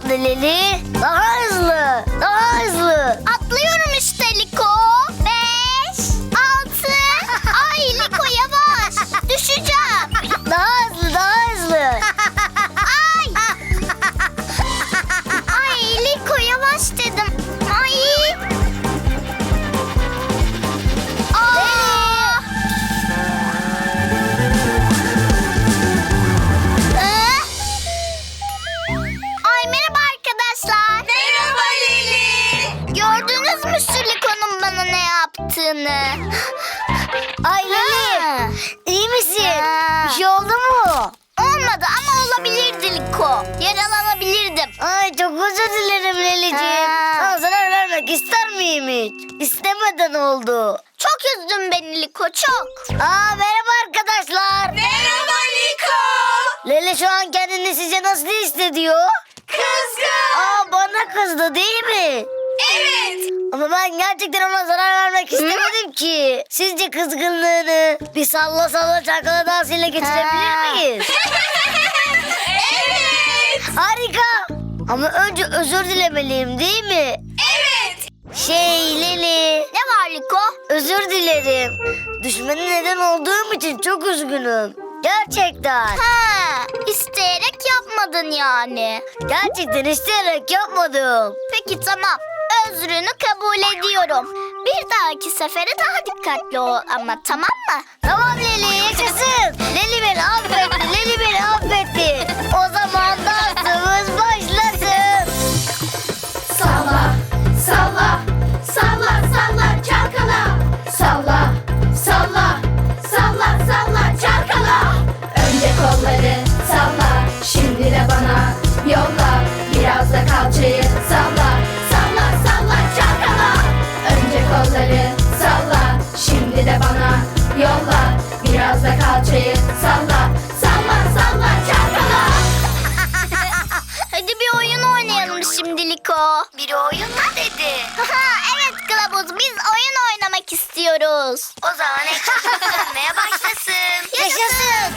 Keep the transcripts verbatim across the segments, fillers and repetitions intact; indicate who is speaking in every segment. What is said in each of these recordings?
Speaker 1: hızlı Leli. Daha hızlı. Daha hızlı.
Speaker 2: Atlıyorum işte Liko. Beş, altı. Ay Liko yavaş. Düşeceğim.
Speaker 1: Daha hızlı. Daha hızlı.
Speaker 2: Ay. Ay Liko yavaş dedim. Ay. Aa. Ee? Ay merhaba arkadaşlar.
Speaker 3: Merhaba Leli.
Speaker 2: Gördünüz mü şu Liko'nun bana ne yaptığını?
Speaker 1: Ay Leli.
Speaker 2: Ha.
Speaker 1: İyi misin?
Speaker 2: Ha.
Speaker 1: Bir şey oldu mu?
Speaker 2: Olmadı ama olabilirdi Liko. Yaralanabilirdim.
Speaker 1: Ay çok özür dilerim Leli'ciğim.
Speaker 2: Ha.
Speaker 1: Sana zarar vermek ister miyim hiç? İstemeden oldu.
Speaker 2: Çok üzdün beni Liko çok.
Speaker 1: Aa merhaba arkadaşlar.
Speaker 3: Merhaba Liko.
Speaker 1: Leli şu an kendini sizce nasıl hissediyor?
Speaker 3: Kızgın.
Speaker 1: Aa bana kızdı değil mi?
Speaker 3: Evet.
Speaker 1: Ama ben gerçekten ona zarar vermek istemedim ki. Sizce kızgınlığını bir salla salla çalkala dansıyla geçirebilir
Speaker 2: Ha.
Speaker 1: miyiz?
Speaker 3: Evet.
Speaker 1: Harika. Ama önce özür dilemeliyim değil mi?
Speaker 3: Evet.
Speaker 1: Şey Leli.
Speaker 2: Ne var Liko?
Speaker 1: Özür dilerim. Düşmene neden olduğum için çok üzgünüm. Gerçekten.
Speaker 2: Ha, isteyerek yapmadın yani.
Speaker 1: Gerçekten isteyerek yapmadım.
Speaker 2: Peki tamam. Özrünü kabul ediyorum. Bir dahaki sefere daha dikkatli ol ama tamam mı?
Speaker 1: Tamam Leli yaşasın. Leli beni affetti. Leli beni affetti. O zaman dansımız başlasın.
Speaker 4: Salla, salla, salla, salla, çalkala. Salla, salla, salla, salla, çalkala. Önce kolları salla, şimdi de bana yolla. Biraz da kalçayı salla, salla, salla, çalkala. Önce kolları salla, şimdi de bana yolla. Biraz da kalçayı salla, salla, salla, çalkala.
Speaker 2: Hadi bir oyun oynayalım şimdi Liko.
Speaker 1: Bir oyun mu dedi?
Speaker 2: Evet Kılavuz biz oyun oynamak istiyoruz.
Speaker 1: O zaman ekranımız dönmeye başlasın.
Speaker 2: Yaşasın.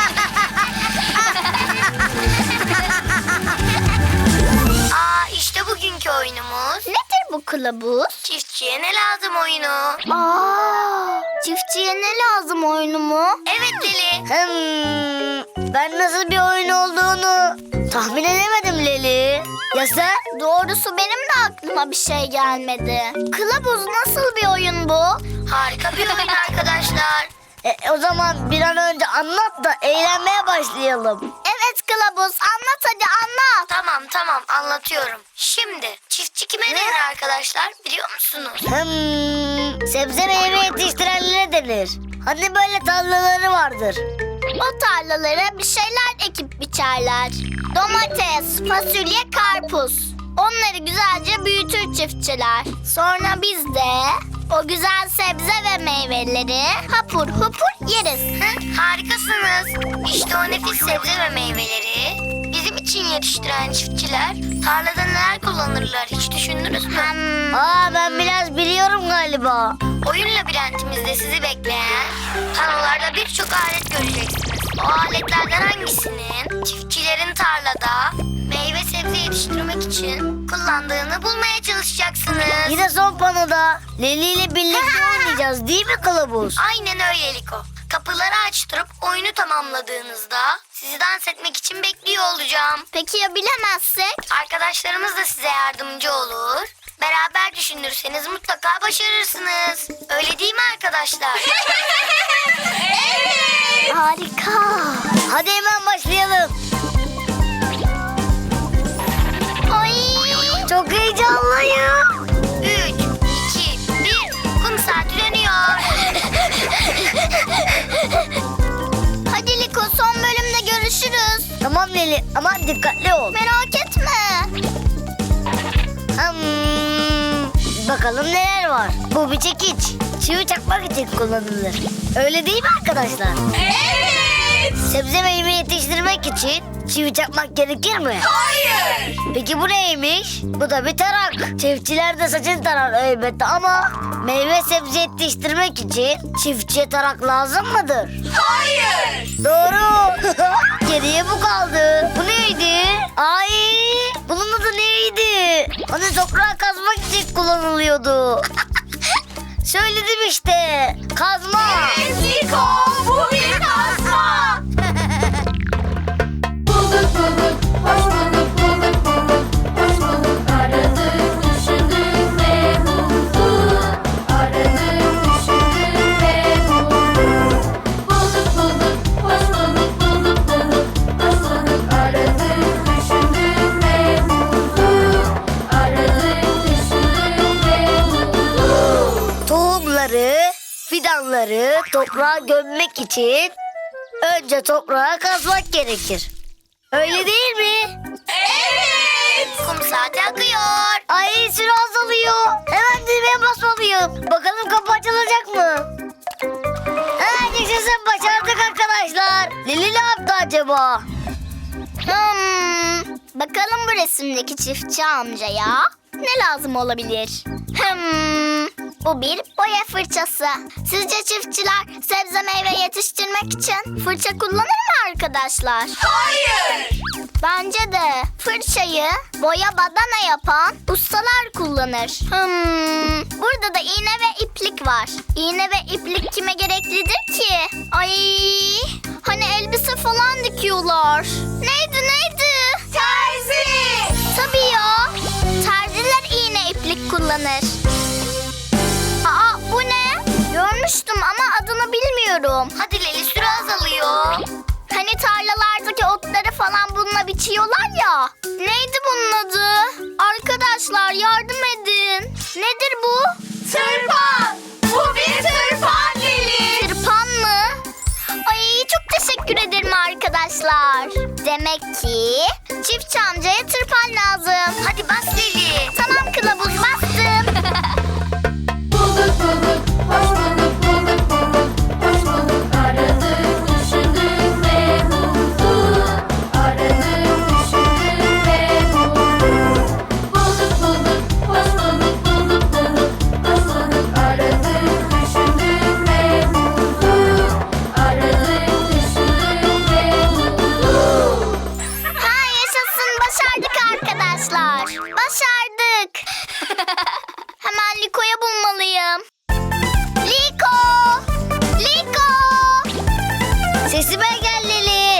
Speaker 1: Aa işte bugünkü oyunumuz.
Speaker 2: Nedir bu kılavuz?
Speaker 1: Çiftçiye ne lazım oyunu?
Speaker 2: Aa, çiftçiye ne lazım oyunu mu?
Speaker 1: Evet Leli. Hmm, ben nasıl bir oyun olduğunu tahmin edemedim Leli. Ya sen?
Speaker 2: Doğrusu benim de aklıma bir şey gelmedi. Kılavuz nasıl bir oyun bu?
Speaker 1: Harika bir oyun arkadaşlar. E, o zaman bir an önce anlat da eğlenmeye başlayalım.
Speaker 2: Evet Kılavuz anlat hadi anlat.
Speaker 1: Tamam tamam anlatıyorum. Şimdi çiftçi kime denir arkadaşlar biliyor musunuz? Hmm, sebze meyve yetiştirenlere denir. Hani böyle tarlaları vardır.
Speaker 2: O tarlalara bir şeyler ekip biçerler. Domates, fasulye, karpuz. Onları güzelce büyütür çiftçiler. Sonra biz de o güzel sebze ve meyveleri hapur hupur yeriz.
Speaker 1: Hı, harikasınız. İşte o nefis sebze ve meyveleri bizim için yetiştiren çiftçiler tarlada neler kullanırlar hiç düşündünüz mü?
Speaker 2: Hmm.
Speaker 1: Aa ben biraz biliyorum galiba. Oyun labirentimizde sizi bekleyen panolarda birçok alet göreceksiniz. O aletlerden hangisinin çiftçilerin tarlada meyve sebze yetiştirmek için kullandığını bulmaya çalışacaksınız. Yine son panoda Leli ile birlikte oynayacağız değil mi Kılavuz? Aynen öyle Liko. Kapıları açtırıp oyunu tamamladığınızda sizi dans etmek için bekliyor olacağım.
Speaker 2: Peki ya bilemezsek?
Speaker 1: Arkadaşlarımız da size yardımcı olur. Beraber düşünürseniz mutlaka başarırsınız. Öyle değil mi arkadaşlar?
Speaker 3: Evet.
Speaker 2: Harika.
Speaker 1: Hadi hemen başlayalım.
Speaker 2: Ay.
Speaker 1: Çok heyecanlıyım. Üç, iki, bir. Kum saati dönüyor.
Speaker 2: Hadi Liko son bölümde görüşürüz.
Speaker 1: Tamam Leli ama dikkatli ol.
Speaker 2: Merak etme.
Speaker 1: Hmm, bakalım neler var. Bu bir çekiç. Çivi çakmak için kullanılır. Öyle değil mi arkadaşlar?
Speaker 3: Evet.
Speaker 1: Sebze meyve yetiştirmek için çivi çakmak gerekir mi?
Speaker 3: Hayır.
Speaker 1: Peki bu neymiş? Bu da bir tarak. Çiftçiler de saçını tarar elbette ama meyve sebze yetiştirmek için çiftçiye tarak lazım mıdır?
Speaker 3: Hayır.
Speaker 1: Doğru. Geriye bu kaldı. Bu neydi? Ay, bunun adı Hani toprağı kazmak için kullanılıyordu. Söyledim işte. Kazma.
Speaker 3: Evet Liko, bu bir kazma.
Speaker 4: Bulduk bulduk, hoş bulduk, bulduk bulduk, hoş bulduk. Aradık, düşündük ve bulduk. Aradık, düşündük ve bulduk. Bulduk bulduk, hoş bulduk, bulduk bulduk, hoş bulduk. Aradık, düşündük ve bulduk. Aradık, düşündük ve bulduk.
Speaker 1: Tohumları, fidanları toprağa gömmek için önce toprağa kazmak gerekir. Öyle değil mi?
Speaker 3: Evet.
Speaker 1: Kum saati akıyor. Ay süre azalıyor. Hemen düğmeye basmalıyım. Bakalım kapı açılacak mı? Ha, yaşasın, başardık arkadaşlar. Lili ne yaptı acaba?
Speaker 2: Hmm, bakalım bu resimdeki çiftçi amcaya ne lazım olabilir? Hmm, bu bir boya fırçası. Sizce çiftçiler sebze meyve yetiştirmek için fırça kullanır mı arkadaşlar?
Speaker 3: Hayır.
Speaker 2: Bence de fırçayı boya badana yapan ustalar kullanır. Hmm, burada da iğne ve iplik var. İğne ve iplik kime gereklidir ki? Ay, hani elbise falan dikiyorlar. Neydi neydi?
Speaker 3: Terzi.
Speaker 2: Tabii ya. Terziler iğne iplik kullanır. Aa, bu ne? Görmüştüm ama adını bilmiyorum.
Speaker 1: Hadi Leli, süre azalıyor.
Speaker 2: Hani tarlalardaki otları falan bununla biçiyorlar ya. Neydi bunun adı? Arkadaşlar yardım edin. Nedir bu?
Speaker 3: Tırpan. Bu bir tırpan Leli.
Speaker 2: Tırpan mı? Ay, çok teşekkür ederim arkadaşlar. Demek ki çiftçi amcaya tırpan lazım.
Speaker 1: Hadi bas Leli.
Speaker 2: Tamam kılavuz, bastım.
Speaker 4: Bulduk bulduk, hoş bulduk, bulduk bulduk, hoş bulduk. Aradık, düşündük ve bulduk. Aradık, düşündük ve bulduk. Bulduk bulduk, hoş bulduk, bulduk bulduk, hoş bulduk. Aradık, düşündük ve bulduk. Aradık, düşündük ve bulduk.
Speaker 2: Ha, yaşasın, başardık arkadaşlar. Başardık. Hemen Liko'ya bulmalıyım. Liko! Liko!
Speaker 1: Sesime gel Leli.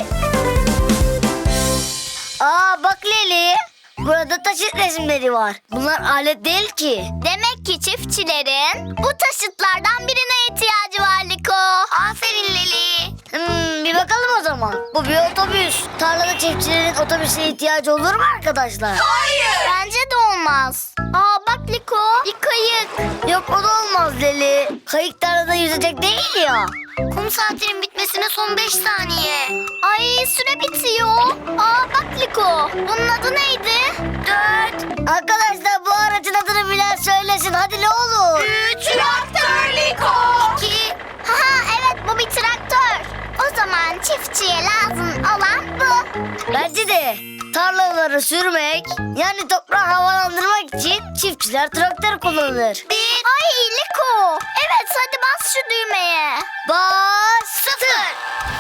Speaker 1: Aa bak Leli. Burada taşıt resimleri var. Bunlar alet değil ki.
Speaker 2: Demek ki çiftçilerin bu taşıtlardan birine ihtiyacı var Liko.
Speaker 1: Aferin Leli. Hmm, bir bakalım o zaman. Bu bir otobüs. Tarlada çiftçilerin otobüse ihtiyacı olur mu arkadaşlar?
Speaker 3: Hayır.
Speaker 2: Bence de olmaz. Aa bak Liko, bir kayık.
Speaker 1: Yok, o da olmaz Leli. Kayık tarlada yüzecek değil ya. Kum saatinin bitmesine son beş saniye.
Speaker 2: Ay, süre bitiyor. Aa bak Liko, bunun adı neydi?
Speaker 1: Dört. Arkadaşlar, bu aracın adını bilen söylesin. Hadi ne olur.
Speaker 3: Üç. Traktör Liko.
Speaker 1: İki.
Speaker 2: Haha, evet, bu bir traktör. O zaman çiftçiye lazım olan bu.
Speaker 1: Bence de tarlaları sürmek, yani toprağı havalandırmak için çiftçiler traktör kullanır. Bir.
Speaker 2: Ay Liko, evet, hadi bas şu düğmeye.
Speaker 1: Bas. Sıfır.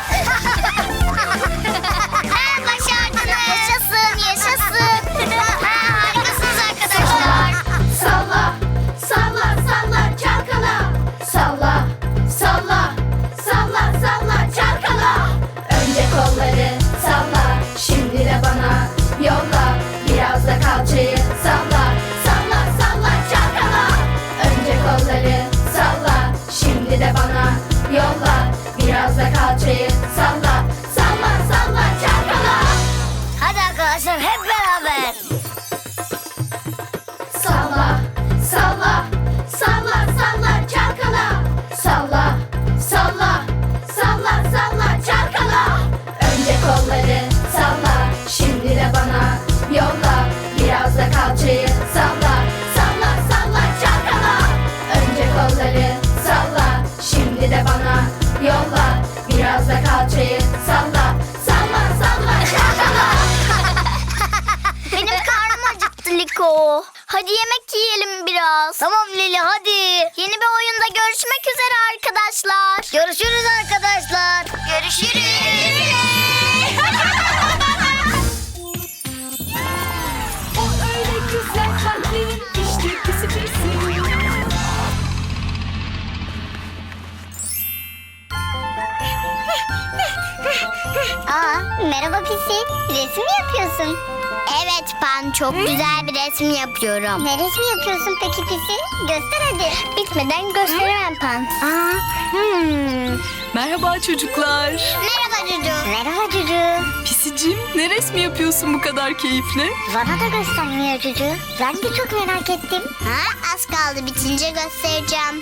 Speaker 2: Ha, başardınız. Yaşasın, yaşasın. Ha, harikasınız arkadaşlar.
Speaker 4: Salla, salla, salla, çalkala. Salla, salla, salla, salla, çalkala. Önce kolları salla, şimdi de bana yolla. Biraz da kalçayı salla, salla, salla, çalkala. Önce kolları salla, şimdi de bana yolla. Biraz da kalçayı salla, salla, salla, çalkala.
Speaker 1: Hadi arkadaşlar, hep beraber.
Speaker 4: Salla, salla, salla, salla, çalkala. Salla, salla, salla, salla, çalkala. Önce kolları salla, şimdi de bana yolla. Biraz da kalçayı salla, salla, salla, çalkala. Önce kolları salla, şimdi de bana yolla. Biraz da kalçayı salla, salla, salla, çalkala.
Speaker 2: Benim karnım acıktı Liko. Hadi yemek yiyelim biraz.
Speaker 1: Tamam Leli, hadi.
Speaker 2: Yeni bir oyunda görüşmek üzere arkadaşlar.
Speaker 1: Görüşürüz arkadaşlar. Görüşürüz.
Speaker 3: O öyle güzel
Speaker 2: Merhaba Pisi. Resim mi yapıyorsun? Evet Pan, çok güzel bir resim yapıyorum. Ne resmi yapıyorsun peki Pisi? Göster hadi. Bitmeden gösteremem Pan. Aa, hmm.
Speaker 3: Merhaba çocuklar.
Speaker 2: Merhaba Cucu. Merhaba Cucu.
Speaker 3: Pisicim, ne resmi yapıyorsun bu kadar keyifle?
Speaker 2: Bana da göstermiyor Cucu. Ben de çok merak ettim. Ha, az kaldı, bitince göstereceğim.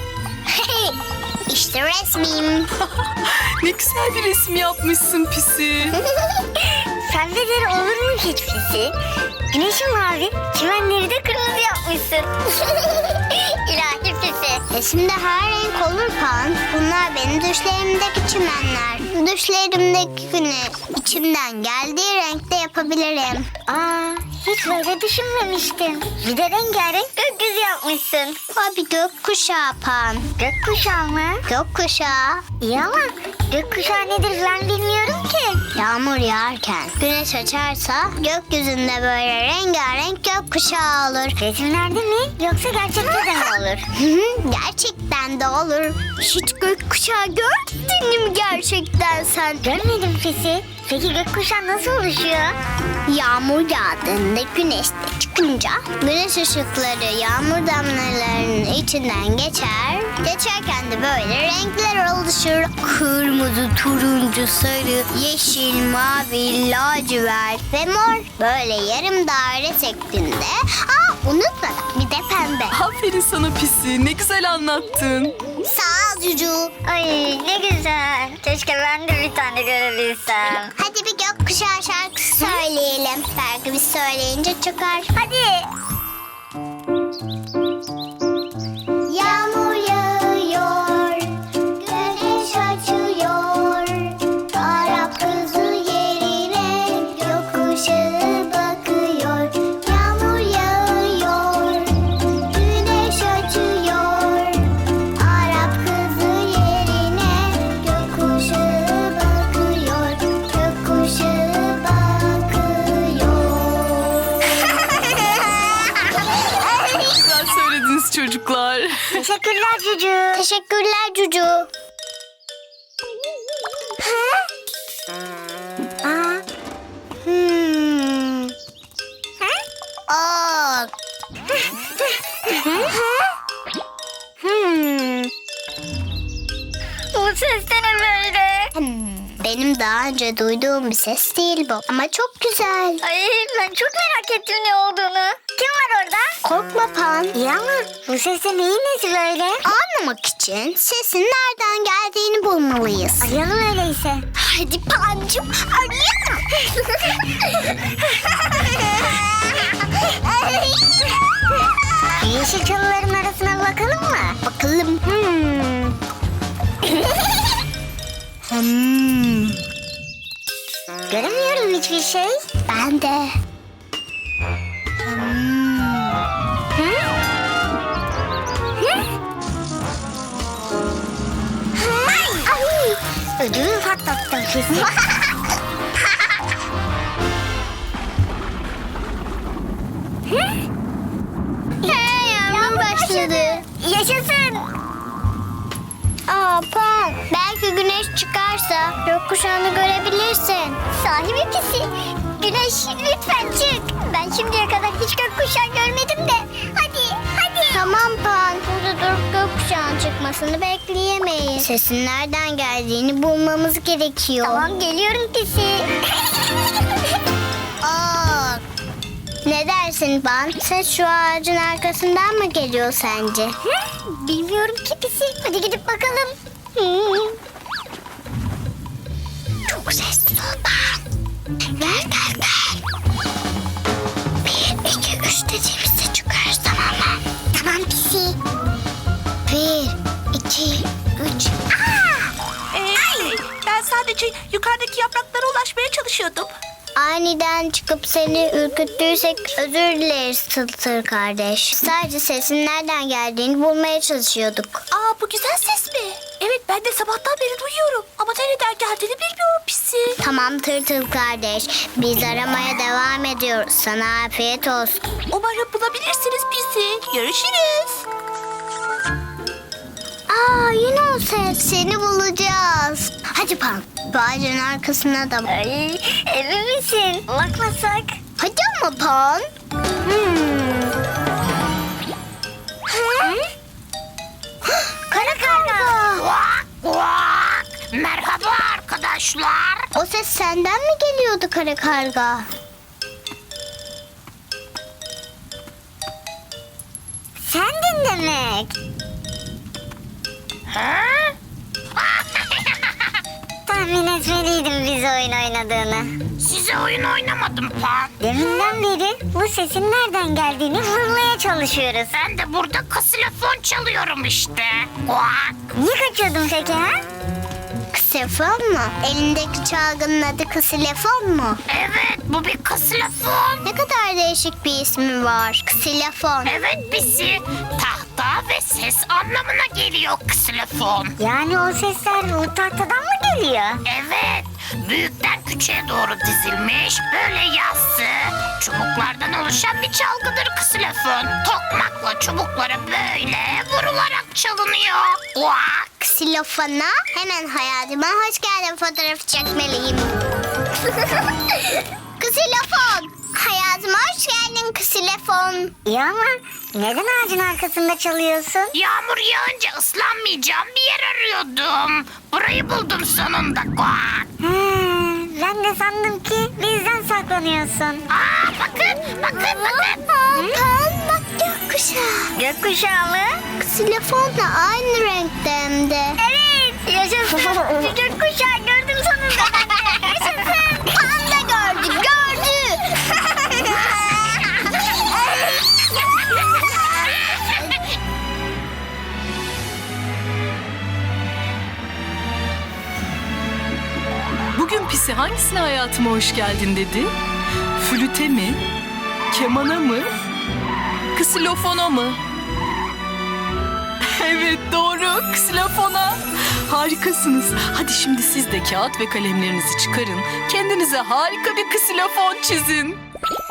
Speaker 2: İşte resmim.
Speaker 3: Ne güzel bir resim yapmışsın Pisi.
Speaker 2: Sende olur mu hiç Pisi? Güneşin mavi, çimenleri de kırmızı yapmışsın. İlahi Pisi. Resimde her renk olur Pan. Bunlar benim düşlerimdeki çimenler. Düşlerimdeki güneş içimden geldiği renkte yapabilirim. Aa, hiç böyle düşünmemiştim. Bir de rengarenk gökyüzü yapmışsın. O bir gökkuşağı Pan. Gökkuşağı mı? Gökkuşağı. İyi ama gökkuşağı nedir ben bilmiyorum ki. Yağmur yağarken güneş açarsa gökyüzünde böyle rengarenk gökkuşağı olur. Resimlerde mi yoksa gerçekten de mi olur? Gerçekten de olur. Hiç gökkuşağı gördün mü gerçekten sen? Görmedim Pisi. Peki gökkuşağı nasıl oluşuyor? Yağmur yağdığında güneş de çıkınca güneş ışıkları yağmur damlalarının içinden geçer. Geçerken de böyle renkler oluşur. Kırmızı, turuncu, sarı, yeşil, mavi, lacivert ve mor. Böyle yarım daire şeklinde. Aa, unutma bir de pembe.
Speaker 3: Aferin sana Pisi, ne güzel anlattın.
Speaker 2: Sağ ol Cucu.
Speaker 5: Ay ne güzel. Keşke ben de bir tane görebilsem.
Speaker 2: Hadi bir gökkuşağı şarkısı söyleyelim. Belki biz söyleyince çıkar. Hadi. Yağmur yağıyor, güneş açıyor. Arap kızı yerine gökkuşağı bakıyor. Yağmur yağıyor, güneş açıyor. Arap kızı yerine gökkuşağı bakıyor. Gökkuşağı bakıyor.
Speaker 3: Güzel söylediniz çocuklar.
Speaker 2: Teşekkürler Cucu. Teşekkürler Cucu. Ha? Aa. Hmm. Ha? Aa. Hmm.
Speaker 5: Bu ses de ne böyle?
Speaker 2: Hmm. Benim daha önce duyduğum bir ses değil bu. Ama çok güzel.
Speaker 5: Ay ben çok merak ettim ne olduğunu. Kim var orada?
Speaker 2: Korkma Pan.
Speaker 5: İyi ama bu ses de neyin nesi böyle?
Speaker 2: Anlamak için sesin nereden geldiğini bulmalıyız.
Speaker 5: Arayalım öyleyse.
Speaker 2: Hadi Pancım arayalım.
Speaker 5: Yeşil çalıların arasına bakalım mı?
Speaker 2: Bakalım.
Speaker 5: Hmm.
Speaker 2: Hmm.
Speaker 5: Göremiyorum hiçbir şey.
Speaker 2: Ben de. Hmm.
Speaker 5: Hı? Hı? Ay! Ödümü patlattım kesin.
Speaker 2: Hey, yağmur başladı.
Speaker 5: Yaşasın.
Speaker 2: Aa Pan, belki güneş çıkarsa gökkuşağını görebilirsin.
Speaker 5: Sahi mi Pisi? Güneş lütfen çık. Ben şimdiye kadar hiç gökkuşağı görmedim de. Hadi, hadi.
Speaker 2: Tamam Pan, burada durup gökkuşağının çıkmasını bekleyemeyiz. Sesin nereden geldiğini bulmamız gerekiyor.
Speaker 5: Tamam geliyorum Pisi.
Speaker 2: Aa, ne dersin Pan? Ses şu ağacın arkasından mı geliyor sence?
Speaker 5: Bilmiyorum ki Pisi. Hadi gidip bakalım.
Speaker 2: Çok sesli ol Pan. Gel gel gel. Bir, iki, üç dediğimizde çıkarız, tamam mı?
Speaker 5: Tamam Pisi.
Speaker 2: Bir, iki, üç.
Speaker 6: Ee, ben sadece yukarıdaki yapraklara ulaşmaya çalışıyordum.
Speaker 2: Aniden çıkıp seni ürküttüysek özür dileriz Tıltır kardeş. Sadece sesin nereden geldiğini bulmaya çalışıyorduk.
Speaker 6: Aa, bu güzel ses mi? Evet, ben de sabahtan beri duyuyorum. Ama nereden geldiğini bilmiyorum Pisi.
Speaker 2: Tamam Tırtıl kardeş, biz aramaya devam ediyoruz. Sana afiyet olsun.
Speaker 6: Umarım bulabilirsiniz Pisi. Görüşürüz.
Speaker 2: Aa yine o ses. Seni bulacağız. Hadi Pan. Bu ağacın arkasına da bak.
Speaker 5: Ay, emin misin? Bakmasak.
Speaker 2: Hadi ama Pan. Hmm. Hı? Kara karga.
Speaker 6: Kuak kuak. Merhaba arkadaşlar.
Speaker 2: O ses senden mi geliyordu kara karga?
Speaker 5: Sendin demek.
Speaker 6: Ha?
Speaker 5: Tahmin etmeliydim biz oyun oynadığını.
Speaker 6: Size oyun oynamadım Pan.
Speaker 5: Deminden beri bu sesin nereden geldiğini bulmaya çalışıyoruz.
Speaker 6: Ben de burada ksilofon çalıyorum işte. Kuak.
Speaker 5: Niye kaçıyordun peki ha?
Speaker 2: Ksilefon mu? Elindeki çalgının adı ksilefon mu?
Speaker 6: Evet bu bir ksilofon.
Speaker 2: Ne kadar değişik bir ismi var. Ksilefon.
Speaker 6: Evet bizi tahta ve ses anlamına geliyor ksilofon.
Speaker 5: Yani o sesler o tahtadan mı geliyor?
Speaker 6: Evet, büyükten küçüğe doğru dizilmiş, böyle yassı, çubuklardan oluşan bir çalgıdır ksilofon. Tokmakla çubuklara böyle vurularak çalınıyor. Kuak.
Speaker 2: Ksilofona hemen hayatıma hoş geldin fotoğrafı çekmeliyim. Ksilofon. Hayatıma hoş geldin ksilofon.
Speaker 5: İyi ama neden ağacın arkasında çalıyorsun?
Speaker 6: Yağmur yağınca ıslanmayacağım bir yer arıyordum. Burayı buldum sonunda. Kuak.
Speaker 5: Ha, ben de sandım ki bizden saklanıyorsun.
Speaker 6: Aa bakın, bakın, bakın.
Speaker 2: Pan bak gökkuşağı.
Speaker 5: Gökkuşağı mı?
Speaker 2: Ksilofonla aynı renkte hem de.
Speaker 5: Evet, yaşasın. Bir gökkuşağı gördüm sonunda ben de. Yaşasın.
Speaker 2: Pan da gördü, gördü.
Speaker 7: Bugün Pisi hangisine hayatıma hoş geldin dedi? Flüte mi? Kemana mı? Ksilofona mı? Evet doğru, ksilofona. Harikasınız. Hadi şimdi siz de kağıt ve kalemlerinizi çıkarın. Kendinize harika bir ksilofon çizin.